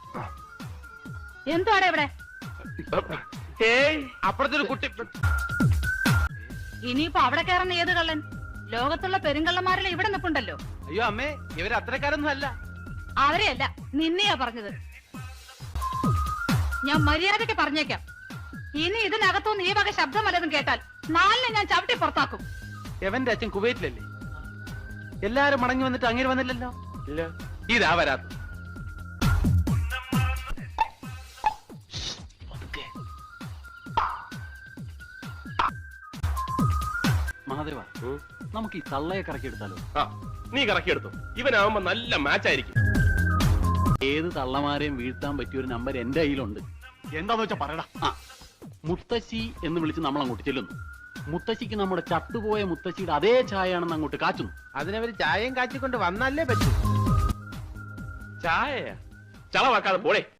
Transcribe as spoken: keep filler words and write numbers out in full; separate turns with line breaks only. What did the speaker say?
എന്തുവാടെ ഇവിടെ?
ഏയ് അപ്പുറത്തൊരു കുട്ടി.
ഇനിയിപ്പോ അവിടെ കയറുന്ന ഏത് കള്ളൻ? ലോകത്തുള്ള പെരുങ്കള്ളന്മാരെല്ലാം ഇവിടെ നിൽപ്പുണ്ടല്ലോ.
അയ്യോ അമ്മേ, ഇവര് അത്രക്കാരൊന്നും അല്ല.
അവരെയല്ല, നിന്നെയാ പറഞ്ഞത്. ഞാൻ മര്യാദയ്ക്ക് പറഞ്ഞേക്കാം, ഇനി ഇതിനകത്തുനിന്ന് ഈ വക ശബ്ദം വല്ലതും കേട്ടാൽ നാലിനെ ഞാൻ ചവിട്ടി പുറത്താക്കും.
എവന്റെ അച്ഛൻ കുവൈറ്റിലല്ലേ? എല്ലാരും മടങ്ങി വന്നിട്ട് അങ്ങനെ വന്നില്ലല്ലോ. ഇല്ല, ഇതാ വരാത്ത. മഹാദേവ, നമുക്ക് ഈ തള്ളയെ കറക്കിയെടുത്താലോ?
നീ കറക്കിയെടുത്തു. ഇവനാവുമ്പോ നല്ല മാച്ച് ആയിരിക്കും.
ഏത് തള്ളമാരെയും വീഴ്ത്താൻ പറ്റിയ ഒരു നമ്പർ എന്റെ കയ്യിലുണ്ട്.
എന്താന്ന് വെച്ചാ പറയടാ.
ആ, മുത്തശ്ശി എന്ന് വിളിച്ച് നമ്മൾ അങ്ങോട്ട് ചെല്ലുന്നു. മുത്തശ്ശിക്ക് നമ്മുടെ ചത്തുപോയ മുത്തശ്ശിയുടെ അതേ ചായയാണെന്ന് അങ്ങോട്ട് കാച്ചുന്നു.
അതിനവര് ചായയും കാച്ചിക്കൊണ്ട് വന്നല്ലേ പറ്റൂ.
ചായ ചളവാക്കാതെ പോളെ.